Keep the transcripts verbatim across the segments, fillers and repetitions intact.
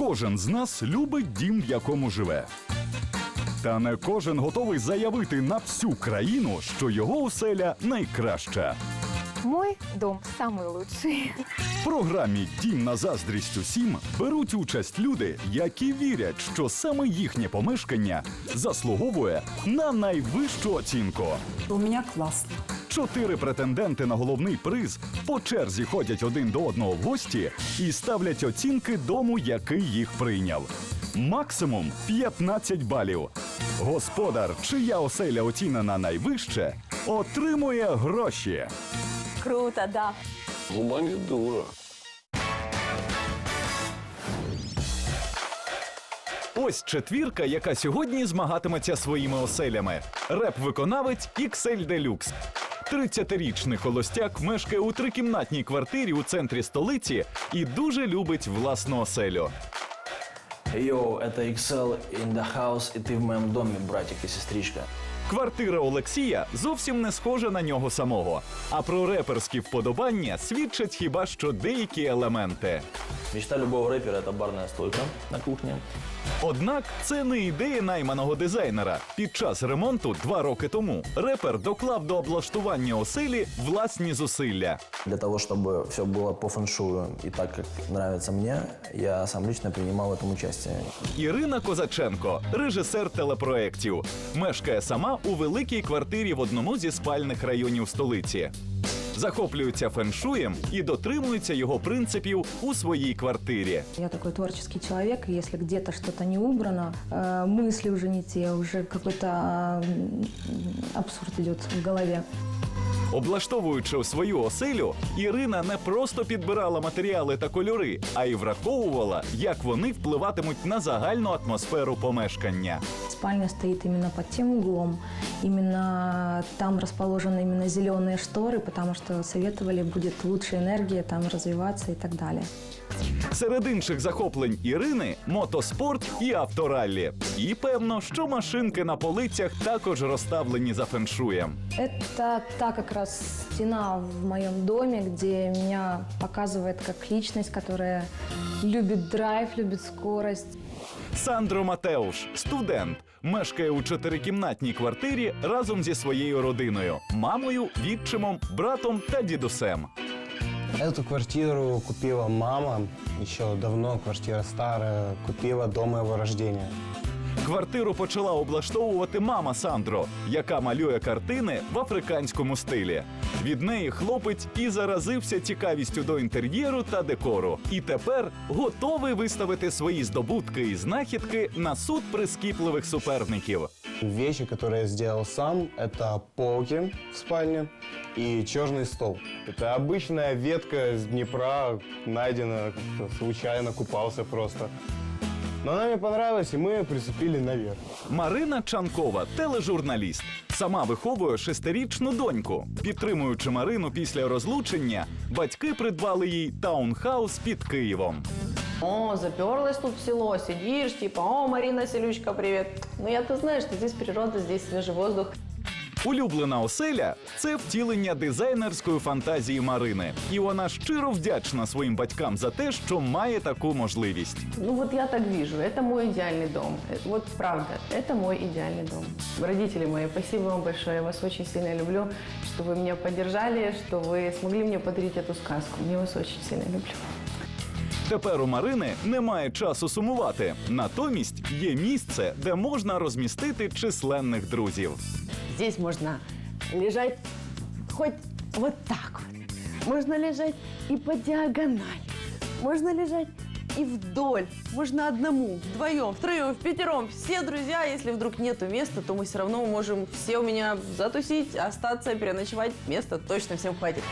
Кожен з нас любить дім, в якому живе. Та не кожен готовий заявити на всю країну, що його оселя найкраща. Мой дом самый лучший. В програмі «Дім на заздрість усім» беруть участь люди, які вірять, що саме їхнє помешкання заслуговує на найвищу оцінку. У меня классно. Чотири претенденти на головний приз по черзі ходять один до одного в гості і ставлять оцінки дому, який їх прийняв. Максимум п'ятнадцять балів. Господар, чия оселя оцінена найвище, отримує гроші. Круто, да. Губа не дура. Ось четвірка, яка сьогодні змагатиметься своїми оселями. Реп-виконавець ікс ель Deluxe. тридцятирічний холостяк мешкає у трикімнатній квартирі у центрі столиці і дуже любить власну оселю. Йоу, это ікс ел in the house, і ти в моєму домі, братик і сестричка. Квартира Олексія зовсім не схожа на нього самого. А про реперські вподобання свідчать хіба що деякі елементи. Мечта любого рэпера – это барная стойка на кухне. Однак це не ідея найманого дизайнера. Під час ремонту два роки тому репер доклав до облаштування оселі власні зусилля. Для того, чтобы все было по фэншую и так, как нравится мне, я сам лично принимал в этом участие. Ірина Козаченко – режисер телепроєктів. Мешкає сама у великій квартирі в одному зі спальних районів столиці. Захоплюється феншуєм і дотримується його принципів у своїй квартирі. Я такой творческий человек, и если где-то что-то не убрано, э, мысли уже не те, уже какой-то э, абсурд идет в голове. Облаштовуючи свою оселю, Ірина не просто підбирала матеріали та кольори, а й враховувала, як вони впливатимуть на загальну атмосферу помешкання. Спальня стоит именно под тем углом, именно там расположены именно зеленые шторы, потому что советовали, будет лучше энергия там развиваться и так далее. Серед інших захоплень Ірини – мотоспорт і автораллі. І певно, що машинки на полицях також розставлені за феншуєм. Это та как раз стена в моем доме, где меня показывает как личность, которая любит драйв, любит скорость. Сандро Матеуш – студент. Мешкає у чотирикімнатній квартирі разом зі своєю родиною – мамою, відчимом, братом та дідусем. Эту квартиру купила мама, еще давно, квартира старая, купила до моего рождения. Квартиру почала облаштовувати мама Сандро, яка малює картини в африканському стилі. Від неї хлопець і заразився цікавістю до інтер'єру та декору. І тепер готовий виставити свої здобутки і знахідки на суд прискіпливих суперників. Вещи, которые я сделал сам, это полки в спальне и черный стол. Это обычная ветка с Днепра, найдена как-то случайно, купался просто. Но она мне понравилась, и мы приступили наверх. Марина Чанкова – тележурналіст. Сама виховує шестирічну доньку. Підтримуючи Марину після розлучення, батьки придбали їй таунхаус під Києвом. О, заперлась тут в село, сидишь, типа, о, Марина, селючка, привет. Ну, я-то знаю, что здесь природа, здесь свежий воздух. Улюблена оселя – це втілення дизайнерської фантазії Марини. І вона щиро вдячна своїм батькам за те, що має таку можливість. Ну, вот я так вижу, это мой идеальный дом. Это, вот правда, это мой идеальный дом. Родители мои, спасибо вам большое, я вас очень сильно люблю, что вы меня поддержали, что вы смогли мне подарить эту сказку. Я вас очень сильно люблю. Тепер у Марини немає часу сумувати. Натомість є місце, де можна розмістити численних друзів. Здесь можно лежать хоть вот так вот. Можно лежать и по диагонали. Можно лежать и вдоль. Можно одному, вдвоем, втроем, впятером. Все друзья, если вдруг нету места, то мы все равно можем все у меня затусить, остаться, переночевать. Места точно всем хватит.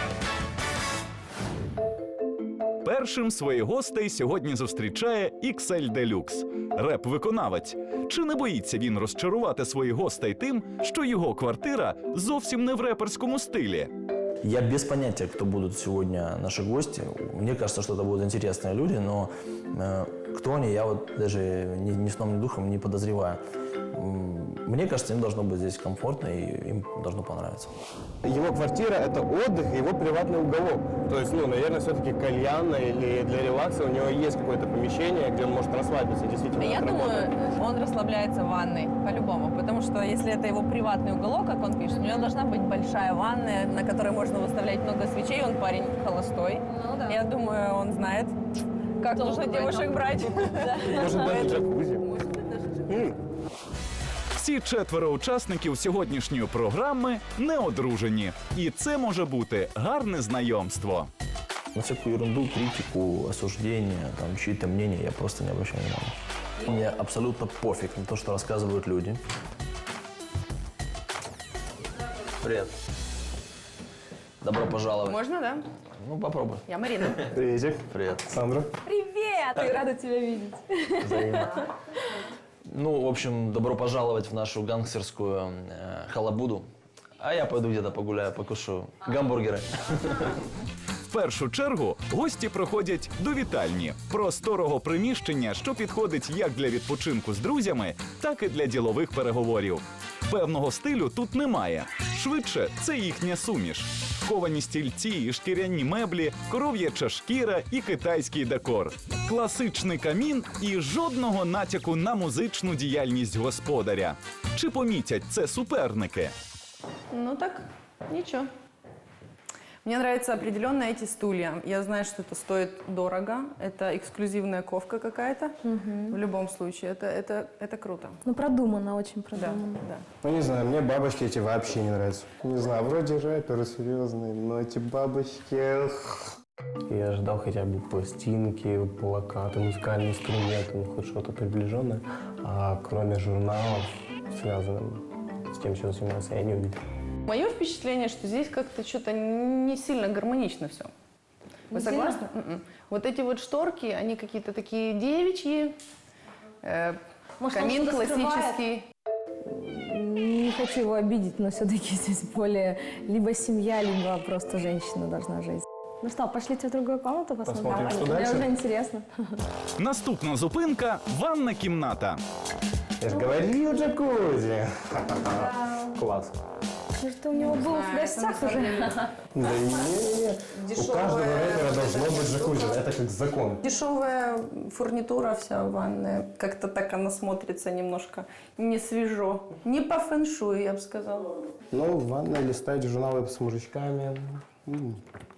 Першим своїх гостей сьогодні зустрічає ікс ель Deluxe – реп-виконавець. Чи не боїться він розчарувати своїх гостей тим, що його квартира зовсім не в реперському стилі? Я без понятия, кто будут сегодня наши гости. Мне кажется, что это будут интересные люди, но э, кто они, я вот даже ни, ни сном, ни духом не подозреваю. м, мне кажется, им должно быть здесь комфортно и им должно понравиться. Его квартира – это отдых, его приватный уголок. То есть, ну, наверное, все-таки кальянно или для релакса у него есть какое-то помещение, где он может расслабиться, действительно. Я от работы. думаю, он расслабляется в ванной, по-любому. Потому что если это его приватный уголок, как он пишет, у него должна быть большая ванная, на которой можно выставлять много свечей. Он парень холостой. Ну да. Я думаю, он знает, как Толк нужно в девушек этом. брать. Может, даже джакузи. М. Всі четверо учасників сьогоднішньої програми не одружені. І це може бути гарне знайомство. На всякую ерунду, критику, осуждение, там, чьи-то мнения я просто не обращаю внимания. Мне абсолютно пофиг на то, что рассказывают люди. Привет. Добро пожаловать. Можно, да? Ну, попробуй. Я Марина. Приветик. Привет. Сандра. Привет! Рада тебя видеть. Взаимно. Ну, в общем, добро пожаловать в нашу гангстерскую э, халабуду. А я пойду где-то погуляю, покушу гамбургеры. В першу чергу гості проходять до вітальні – просторого приміщення, що підходить як для відпочинку з друзями, так і для ділових переговорів. Певного стилю тут немає. Швидше, це їхня суміш. Ковані стільці і шкіряні меблі, коров'яча шкіра і китайський декор. Класичний камін і жодного натяку на музичну діяльність господаря. Чи помітять це суперники? Ну так, ничего. Мне нравятся определенно эти стулья. Я знаю, что это стоит дорого. Это эксклюзивная ковка какая-то. В любом случае, это, это, это круто. Ну, продумано, очень Да, продумано. да. Ну, не знаю, мне бабочки эти вообще не нравятся. Не знаю, вроде рэперы серьезные, но эти бабочки... Я ждал хотя бы пластинки, плакаты, музыкальные инструменты, ну, хоть что-то приближенное. А кроме журналов, связанных с тем, чем занимался, я не увидел. Мое впечатление, что здесь как-то что-то не сильно гармонично все. Вы Не согласны? М-м. Вот эти вот шторки, они какие-то такие девичьи. Э, Может, он камин что-то классический. Не хочу его обидеть, но все-таки здесь более либо семья, либо просто женщина должна жить. Ну что, пошлите в другую комнату посмотрим? Посмотрим, что Мне дальше. уже интересно. Наступна зупинка – ванна кімната. Я же говорил, джакузи. Класс. Может, у него был в гостях уже? Да не-не-не. У каждого рэпера должно быть джакузи. Это как закон. Дешевая фурнитура вся ванная. Как-то так она смотрится немножко не свежо. Не по фэншую, я бы сказала. Ну, в ванной листать журналы с мужичками. М.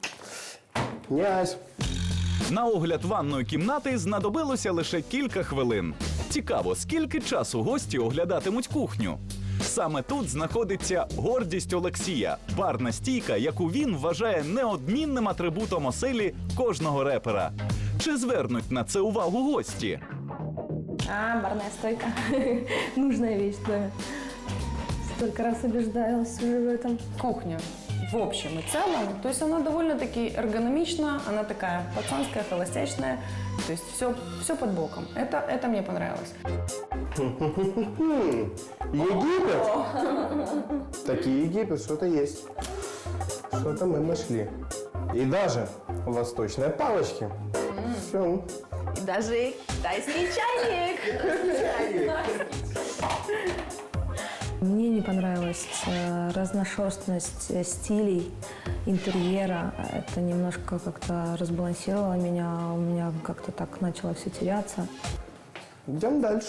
Князь. На огляд ванної кімнати знадобилося лише кілька хвилин. Цікаво, скільки часу гості оглядатимуть кухню? Саме тут знаходиться гордість Олексія – барна стійка, яку він вважає неодмінним атрибутом оселі кожного репера. Чи звернуть на це увагу гості? А, барная стойка. Нужная вещь в доме. Столько раз убеждалась уже в этом. Кухня в общем и целом, то есть она довольно-таки эргономична, она такая пацанская, холостячная, то есть все, все под боком. Это, это мне понравилось. Египет? Такие Египет, что-то есть. Что-то мы нашли. И даже восточные палочки. Все. И даже китайский чайник. Мне не понравилась э, разношерстность э, стилей интерьера. Это немножко как-то разбалансировало меня. У меня как-то так начало все теряться. Идем дальше.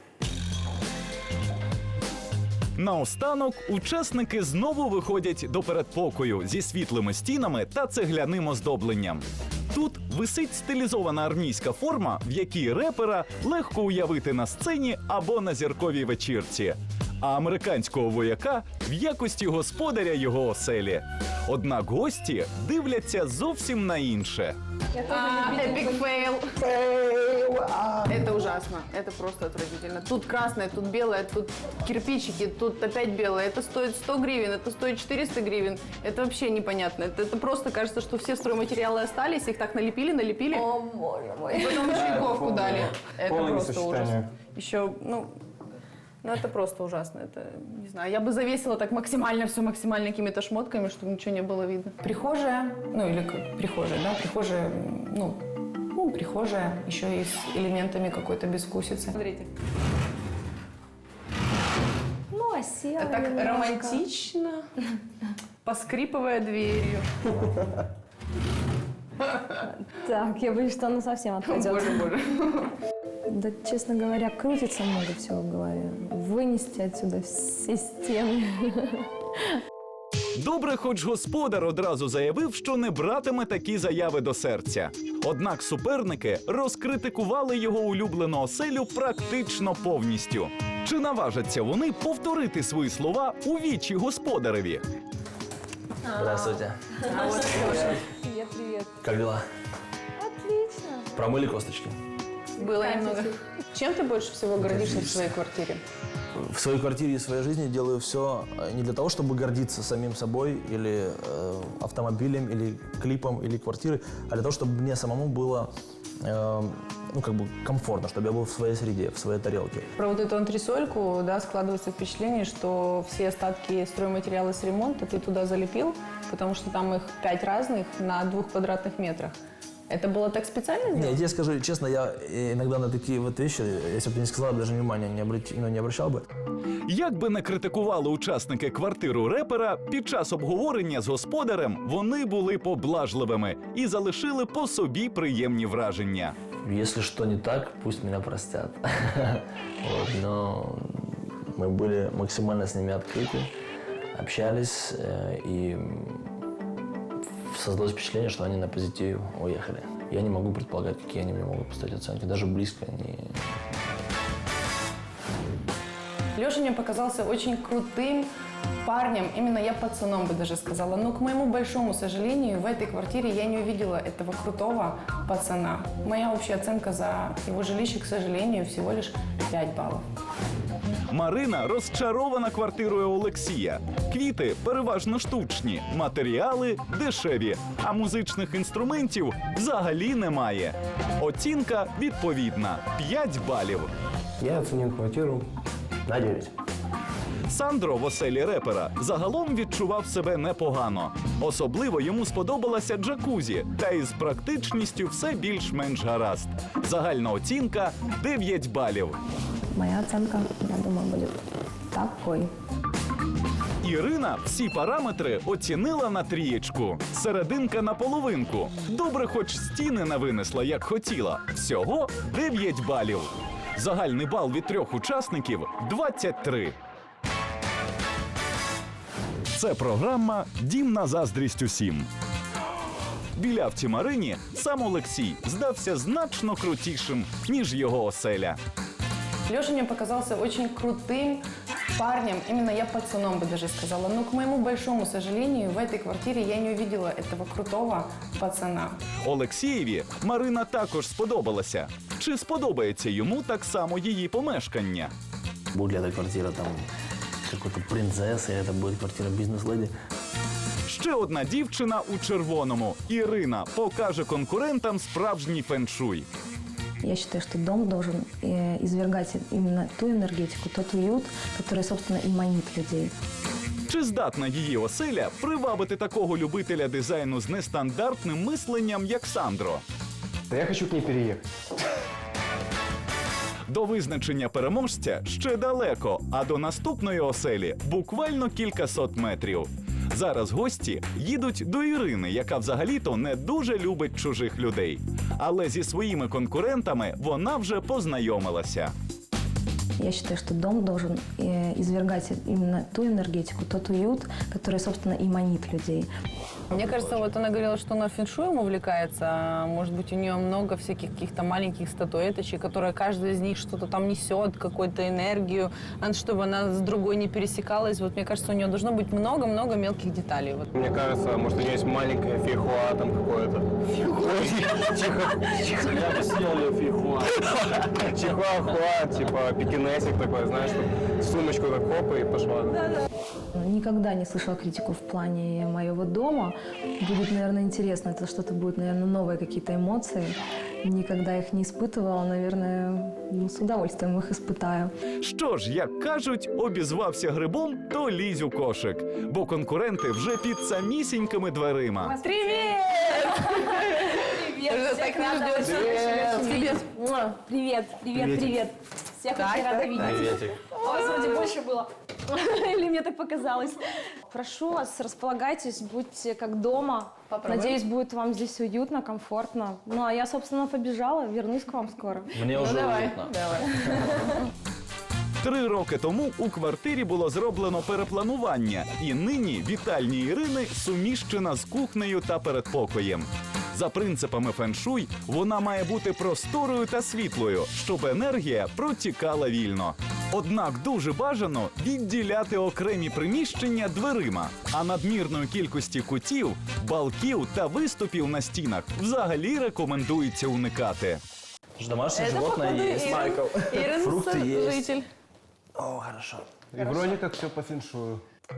Наостанок учасники знову виходять до передпокою зі світлими стінами та цегляним оздобленням. Тут висить стилізована армійська форма, в якій репера легко уявити на сцені або на зірковій вечірці, а американського вояка в якості господаря його оселі. Однак гості дивляться зовсім на інше. Эпик фейл. Это ужасно. Это просто отвратительно. Тут красное, тут белое, тут кирпичики, тут опять белое. Это стоит сто гривен, это стоит четыреста гривен. Это вообще непонятно. Это, это просто кажется, что все стройматериалы остались, их так налепили, налепили. О, боже мой. И потом еще и ковку дали. Это Полное просто ужас. несочетание. Еще, ну, ну, это просто ужасно. Это, не знаю, я бы завесила так максимально все максимально какими-то шмотками, чтобы ничего не было видно. Прихожая, ну, или как прихожая, да, прихожая, ну, ну, прихожая, еще и с элементами какой-то безвкусицы. Смотрите. красиво Так немножко. романтично, поскрипывая дверью. Так, я боюсь, что она совсем отпадет. Боже, боже. Да, честно говоря, крутится много всего в голове. Вынести отсюда все стены. Добре, хоч господар одразу заявив, що не братиме такі заяви до серця. Однак суперники розкритикували його улюблену оселю практично повністю. Чи наважаться вони повторити свої слова у вічі господареві? Здравствуйте. Привет, привет. Как дела? Отлично. Промыли косточки? Было немного. Чем ты больше всего гордишься в своей квартире? В своей квартире и в своей жизни делаю все не для того, чтобы гордиться самим собой или э, автомобилем, или клипом, или квартирой, а для того, чтобы мне самому было э, ну, как бы комфортно, чтобы я был в своей среде, в своей тарелке. Про вот эту антресольку, да, складывается впечатление, что все остатки стройматериала с ремонта ты туда залепил, потому что там их пять разных на двух квадратных метрах. Это было так специально сделано? Нет, я тебе скажу честно, я иногда на такие вот вещи, если бы ты не сказал, даже внимания не, обрати, ну, не обращал бы. Як би не критикували учасники квартиру репера, під час обговорення з господарем вони були поблажливими і залишили по собі приємні враження. Если что не так, пусть меня простят. Вот, но мы были максимально с ними открыты, общались, э, и создалось впечатление, что они на позитиве уехали. Я не могу предполагать, какие они мне могут поставить оценки, даже близко не... Леша мне показался очень крутым парнем, именно я пацаном бы даже сказала. Но, к моему большому сожалению, в этой квартире я не увидела этого крутого пацана. Моя общая оценка за его жилище, к сожалению, всего лишь пять баллов. Марина розчарована квартирою Олексія. Квіти переважно штучні, матеріали дешеві, а музичних інструментів взагалі немає. Оцінка відповідна – п'ять балів. Я оценил квартиру на девять. Сандро в оселі репера загалом відчував себе непогано. Особливо йому сподобалася джакузі, та із практичністю все більш-менш гаразд. Загальна оцінка – дев'ять балів. Моя оценка, я думаю, будет такой. Ірина всі параметри оцінила на трієчку. Серединка на половинку. Добре, хоч стіни не винесла, як хотіла. Всього дев'ять балів. Загальний бал від трьох учасників – двадцять три. Це програма «Дім на заздрість усім». Білявці Марині сам Олексій здався значно крутішим, ніж його оселя. Леша мне показался очень крутым парнем, именно я пацаном бы даже сказала. Но, к моему большому сожалению, в этой квартире я не увидела этого крутого пацана. Олексієві Марина також сподобалася. Чи сподобається йому так само її помешкання? Будет ли эта квартира там какой-то принцессы, это будет квартира бизнес-леди. Ще одна дівчина у червоному. Ірина покаже конкурентам справжній феншуй. Я считаю, что дом должен э, извергать именно ту энергетику, тот уют, который, собственно, и манит людей. Чи здатна її оселя привабити такого любителя дизайну з нестандартним мисленням, як Сандро? Да я хочу к ней переехать. До визначення переможця ще далеко, а до наступної оселі буквально кількасот метрів. Зараз гості їдуть до Ірини, яка взагалі-то не дуже любить чужих людей. Але зі своїми конкурентами вона вже познайомилася. Я считаю, что дом должен э, извергать именно ту энергетику, тот уют, который, собственно, и манит людей. Мне кажется, вот она говорила, что она фэншуем увлекается. Может быть, у нее много всяких каких-то маленьких статуэточек, которые каждая из них что-то там несет, какую-то энергию, чтобы она с другой не пересекалась. Вот мне кажется, у нее должно быть много-много мелких деталей. Вот. Мне кажется, может, у нее есть маленькое фейхуа там какое-то. Я бы съел ее фейхуа. Чихуахуа, типа пекинесик такой, знаешь, вот сумочку так хопа и пошла. Никогда не слышала критику в плане моего дома. Будет, наверное, интересно. Это что-то будет, наверное, новые какие-то эмоции. Никогда их не испытывала. Наверное, ну, с удовольствием их испытаю. Що ж, як кажуть, обізвався грибом, то лізь у кошик. Бо конкуренти вже під самісінькими дверима. Привет! Привет, Уже всех так не рада ждёшь. очень Привет. видеть. Муа. Привет, привет, Приветик. привет. Всех Так, очень рада так, видеть. Приветик. А у вас вроде больше было. Или мне так показалось. Прошу вас, располагайтесь, будьте как дома. Попробуем. Надеюсь, будет вам здесь уютно, комфортно. Ну, а я, собственно, побежала, вернусь к вам скоро. Мне уже Давай, уютно. давай. Три роки тому у квартирі було зроблено перепланування, і нині вітальня Ірини суміщена з кухнею та передпокоєм. За принципами феншуй вона має бути просторою та світлою, щоб енергія протікала вільно. Однак дуже бажано відділяти окремі приміщення дверима, а надмірної кількості кутів, балків та виступів на стінах взагалі рекомендується уникати. Домашнее Это, животное походу, есть. Ирин, Ирин Фрукты есть. житель. О, хорошо. И вроде как все по феншую.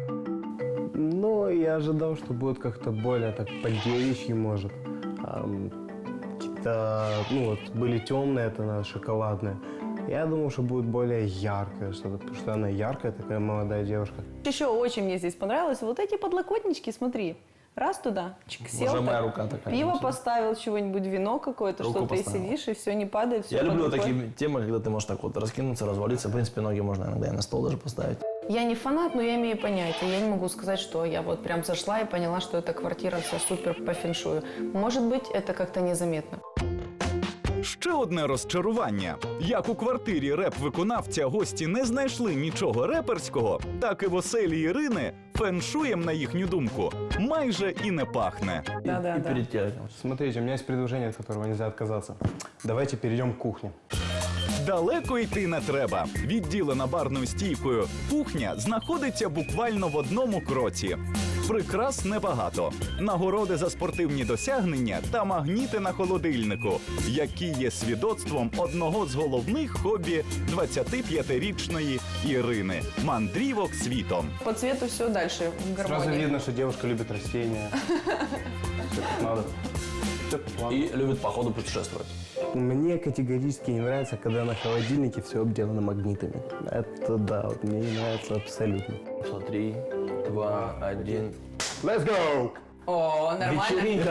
Ну, я ожидал, что будет как-то более так по-девичьи, может. Ам, какие-то, ну вот, были темные, это надо шоколадные. Я думал, что будет более яркое что-то, потому что она яркая, такая молодая девушка. Еще очень мне здесь понравилось. Вот эти подлокотнички, смотри. Раз туда, чик, сел, Уже так, моя рука такая. пиво конечно. поставил, чего-нибудь, вино какое-то, Руку что ты поставил. сидишь, и все не падает. Все Я под люблю рукой. такие темы, когда ты можешь так вот раскинуться, развалиться. В принципе, ноги можно иногда и на стол даже поставить. Я не фанат, но я имею понятие. Я не могу сказать, что я вот прям зашла и поняла, что эта квартира вся супер по феншую. Может быть, это как-то незаметно. Ще одне розчарування. Як у квартирі реп-виконавця гості не знайшли нічого реперського, так і в оселі Ірини феншуєм, на їхню думку, майже і не пахне. Да, да, И да. перед телеком. Смотрите, у меня есть предложение, от которого нельзя отказаться. Давайте перейдем к кухне. Далеко йти не треба. Відділена барною стійкою кухня знаходиться буквально в одному кроці. Прикрас небагато. Нагороди за спортивні досягнення та магніти на холодильнику, які є свідоцтвом одного з головних хобі двадцятип'ятирічної Ірини – мандрівок світом. По цвету все дальше в Сразу гармонии. видно, что девушка любит растения. Всё как надо. Всё по плану. И любит по ходу путешествовать. Мне категорически не нравится, когда на холодильнике все обделано магнитами. Это да, вот мне не нравится абсолютно. Три, два, один. Let's go! О, нормально. Вечеринка.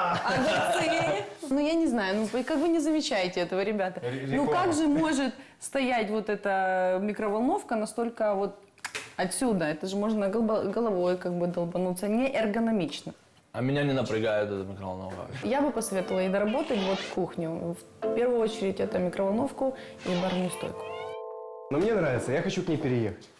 Огурцы. Ну, я не знаю, ну, вы как вы не замечаете этого, ребята? Ну, как же может стоять вот эта микроволновка настолько вот отсюда? Это же можно голбо- головой как бы долбануться. Не эргономично. А меня не напрягает эта микроволновка. Я бы посоветовала ей доработать вот кухню. В первую очередь это микроволновку и барную стойку. Но мне нравится, я хочу к ней переехать.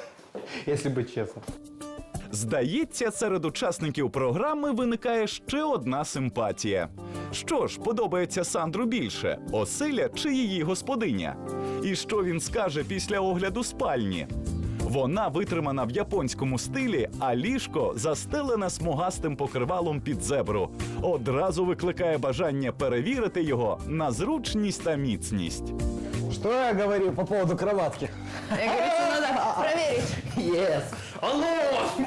Если быть честным. Здається, серед учасників програми виникає ще одна симпатія. Що ж подобається Сандру більше – оселя чи її господиня? І що він скаже після огляду спальні? Вона витримана в японському стилі, а ліжко застелене смугастим покривалом під зебру. Одразу викликає бажання перевірити його на зручність та міцність. Что я говорил по поводу кроватки? Я говорю, что надо проверить. Yes! Алло!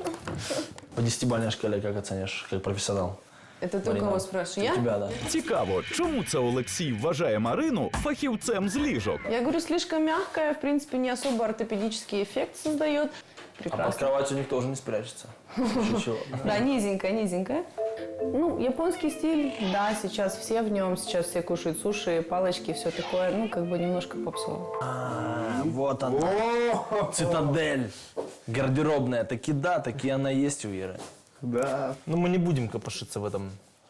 По десятибалльной шкале как оценишь, как профессионал? Это ты у Марина, кого спрашиваешь? Я? Тебя, да. Цікаво, чому це Олексій вважає Марину фахівцем з ліжок? Я говорю, слишком мягкая, в принципе, не особо ортопедический эффект создает. А под Прекрасно. кроватью никто уже не спрячется. Чего? Да, низенькая, низенькая. Ну, японский стиль, да, сейчас все в нем, сейчас все кушают суши, палочки, все такое, ну, как бы немножко попсово. А, вот она. Цитадель. Гардеробная. Таки да, таки она есть у Иры. Да. Но мы не будем копошиться в этом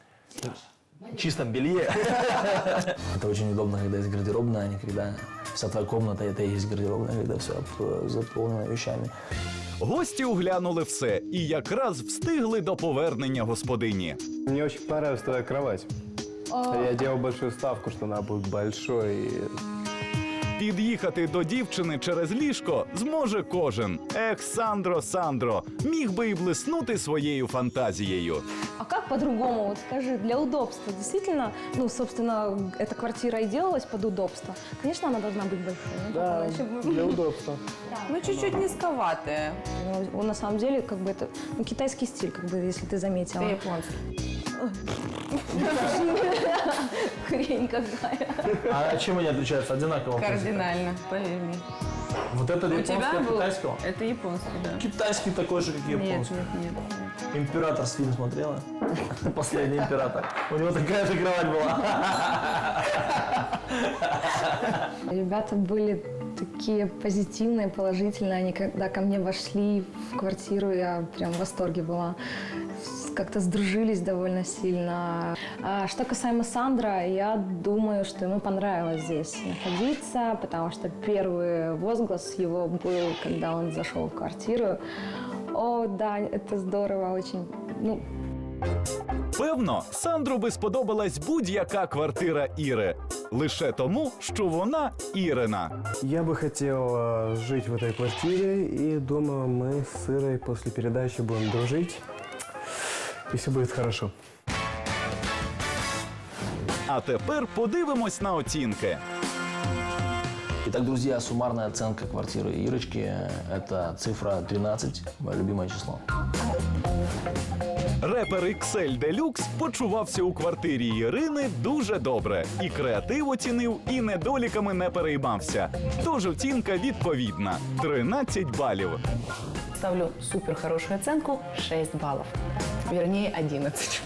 чистом белье. Это очень удобно, когда есть гардеробная, а не когда вся твоя комната, это и есть гардеробная, когда все заполнено вещами. Гості оглянули все і якраз встигли до повернення господині. Мне очень понравилась твоя кровать. Я делал большую ставку, что она будет большой. И... Під'їхати до дівчини через ліжко зможе кожен. Ех, Сандро, Сандро, міг би і блиснути своєю фантазією. А как по-другому? Вот скажи, для удобства. Действительно, ну, собственно, эта квартира и делалась под удобство. Конечно, она должна быть большой. Ну, Да, иначе бы- для удобства. Ну, чуть-чуть низковатая. Ну, на самом деле, как бы это ну, китайский стиль, как бы, если ты заметила. Это японский. Хрень какая. А чем они отличаются? Одинаково. Кардинально, поверь мне. Вот это У японский тебя от был? китайского? Это японский, да. Китайский такой же, как и Нет, японский. нет, нет, нет. Император фильм смотрела? Последний император. У него такая же кровать была. Ребята были такие позитивные, положительные. Они когда ко мне вошли в квартиру, я прям в восторге была. Как-то сдружились довольно сильно. А что касаемо Сандро, я думаю, что ему понравилось здесь находиться, потому что первый возглас его был, когда он зашел в квартиру. О, да, это здорово, очень, ну, Певно, Сандру би сподобалась будь-яка квартира Іри. Лише тому, що вона Ірина. Я бы хотел э, жить в этой квартире, и думаю, мы с Ирой после передачи будем дружить, и все будет хорошо. А тепер подивимось на оцінки. Итак, друзья, суммарная оценка квартиры Ирочки – это цифра тринадцать, мое любимое число. Репер ікс ель Deluxe почувався у квартирі Ірини дуже добре. І креатив оцінив, і недоліками не переймався. Тож оцінка відповідна – тринадцять балів. Ставлю супер хорошую оценку – шесть баллов. Вернее, одиннадцать.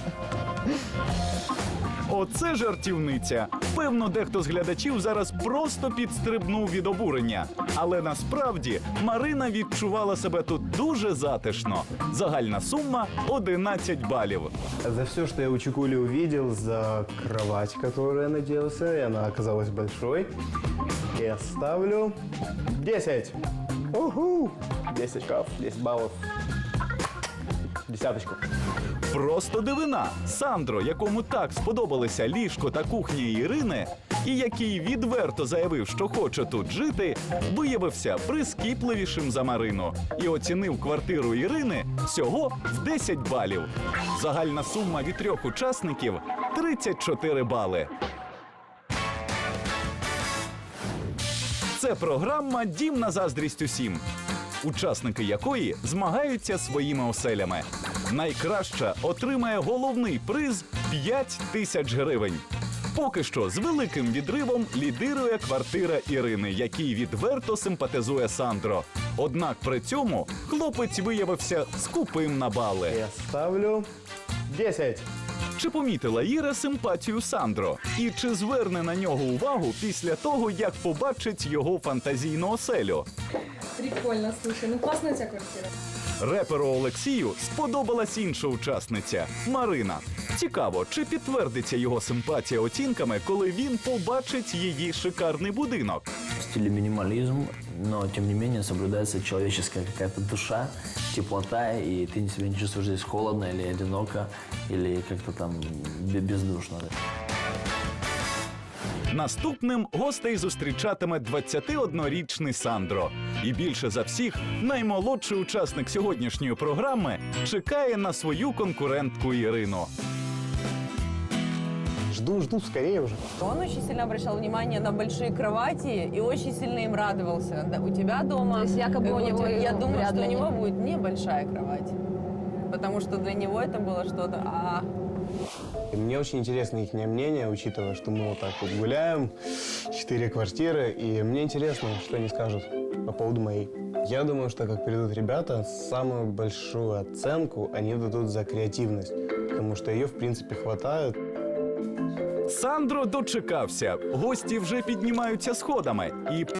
Оце жартівниця. Певно, дехто з глядачів зараз просто підстрибнув від обурення. Але насправді Марина відчувала себе тут дуже затишно. Загальна сума – одинадцять балів. За все, что я у Чикули увидел, за кровать, которую я надеялся, и она оказалась большой, я ставлю десять. Уху! десять каф, десять баллов. Десяточку. Просто дивина. Сандро, якому так сподобалися ліжко та кухня Ірини, і який відверто заявив, що хоче тут жити, виявився прискіпливішим за Марину і оцінив квартиру Ірини всього в десять балів. Загальна сума від трьох учасників – тридцять чотири бали. Це програма «Дім на заздрість усім», учасники якої змагаються своїми оселями. Найкраща отримає головний приз – п'ять тисяч гривень. Поки що з великим відривом лідирує квартира Ірини, якій відверто симпатизує Сандро. Однак при цьому хлопець виявився скупим на бали. Я ставлю десять. Чи помітила Іра симпатію Сандро? І чи зверне на нього увагу після того, як побачить його фантазійну оселю? Прикольно, слушай, ну классная у тебя квартира. Реперу Олексію сподобалась інша учасниця – Марина. Цікаво, чи підтвердиться його симпатія оцінками, коли він побачить її шикарний будинок? В стиле минимализм, но тем не менее соблюдается человеческая какая-то душа, теплота, и ты себя не чувствуешь здесь холодно или одиноко, или как-то там бе- бездушно. Наступним гостей зустрічатиме двадцятиоднорічний Сандро. І більше за всіх, наймолодший учасник сьогоднішньої програми чекає на свою конкурентку Ірину. Жду, жду, скорее уже. Он очень сильно обращал внимание на большие кровати и очень сильно им радовался. Да, у тебя дома... То есть якобы у вот, него я думаю, вряд что ли у него они- будет небольшая кровать. Потому что для него это было что-то... А, И мне очень интересно их мнение, учитывая, что мы вот так вот гуляем, четыре квартиры, и мне интересно, что они скажут по поводу моей. Я думаю, что как придут ребята, самую большую оценку они дадут за креативность, потому что ее, в принципе, хватает. Сандро дочекався. Гості вже піднімаються сходами. І